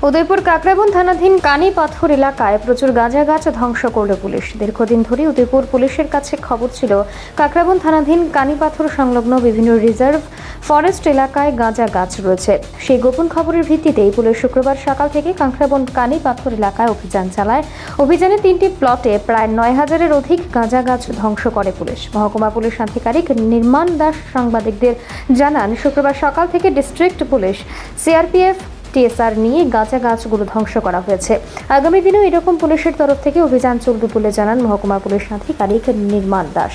উদয়পুর কাকরাবন থানাধীন কানিপাথর এলাকায় প্রচুর গাঁজা গাছ ধ্বংস করল পুলিশ। দীর্ঘদিন ধরে উদয়পুর পুলিশের কাছে খবর ছিল কাকরাবন থানাধীন কানিপাথর সংলগ্ন বিভিন্ন রিজার্ভ ফরেস্ট এলাকায় গাঁজা গাছ রয়েছে। সেই গোপন খবরের ভিত্তিতেই পুলিশ শুক্রবার সকাল থেকে কাকরাবন কানিপাথর এলাকায় অভিযান চালায়। অভিযানে 3টি প্লটে প্রায় 9,000-এর অধিক গাঁজা গাছ ধ্বংস করে পুলিশ। মহকুমা পুলিশ আধিকারিক নির্মাণ দাস সাংবাদিকদের জানান, শুক্রবার সকাল থেকে ডিস্ট্রিক্ট পুলিশ, সিআরপিএফ, টিএসআর নিয়ে গাঁজা গাছগুলো ধ্বংস করা হয়েছে। আগামী দিনেও এরকম পুলিশের তরফ থেকে অভিযান চলবে বলে জানান মহকুমা পুলিশ আধিকারিক নির্মাণ দাস।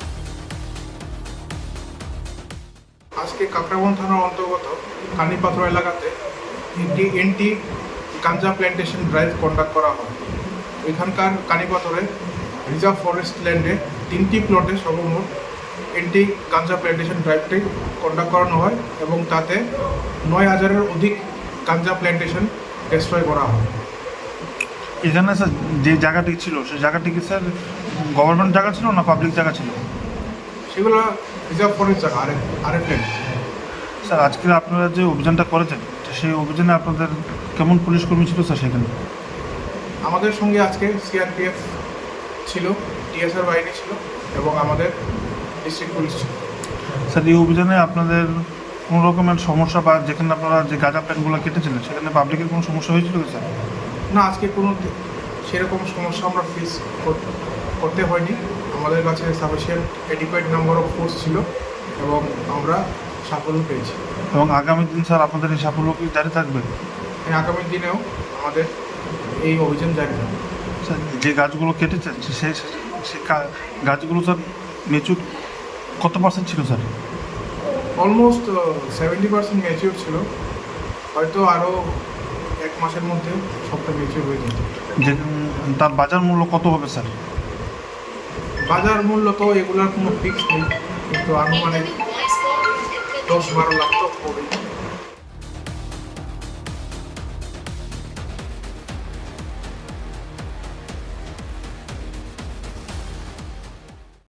আজকে কাকরাবন থানার অন্তর্গত কানিপাথর এলাকাতে একটি anti ganja plantation drive conduct করা হয়। এখানকার কানিপাথরে রিজার্ভ ফরেস্ট ল্যান্ডে 3টি প্লটে সর্বমোট এন্টি গাঞ্জা প্ল্যান্টেশন ড্রাইভটি কন্ডাক্ট করানো হয় এবং তাতে 9,000-এর অধিক গাঞ্জা প্ল্যান্টেশন ডিস্ট্রয় করা হয়। এখানে স্যার যে জায়গাটি ছিল সেই জায়গাটি কি স্যার গভর্নমেন্ট জায়গা ছিল না পাবলিক জায়গা ছিল? সেগুলো রিজার্ভ ফরেস্ট জায়গা, আরেক ল্যান্ড। স্যার আজকে আপনারা যে অভিযানটা করেছেন সেই অভিযানে আপনাদের কেমন পুলিশ কর্মী ছিল স্যার সেখানে? আমাদের সঙ্গে আজকে সিআরপিএফ ছিল, টিএসআর বাহিনী ছিল এবং আমাদের ডিস্ট্রিক্ট পুলিশ ছিল। স্যার এই অভিযানে আপনাদের কোনো রকমের সমস্যা বা যেখানে আপনারা যে গাঁজা প্ল্যান্টগুলো কেটেছিলেন সেখানে পাবলিকের কোনো সমস্যা হয়েছিল কি স্যার? না, আজকে কোনো সেরকম সমস্যা আমরা ফেস করতে হয়নি। আমাদের কাছে sufficient adequate number of force ছিল এবং আমরা সাফল্য পেয়েছি। এবং আগামী দিন স্যার আপনাদের এই সাফল্য কি জারি থাকবে? আগামী দিনেও আমাদের এই অভিযান জারি থাকবে। স্যার যে গাছগুলো কেটেছেন সেই গাছগুলো স্যার মেচুর কত পার্সেন্ট ছিল স্যার? অলমোস্ট 70% ম্যাচিওর ছিল। হয়তো আরও 1 মাসের মধ্যে সবটা ম্যাচিওর হয়ে যেত। যে তার বাজার মূল্য কত হবে স্যার? বাজার মূল্য তো এগুলোর কোনো ফিক্স নেই, কিন্তু আনুমানিক 10-12 লাখ তো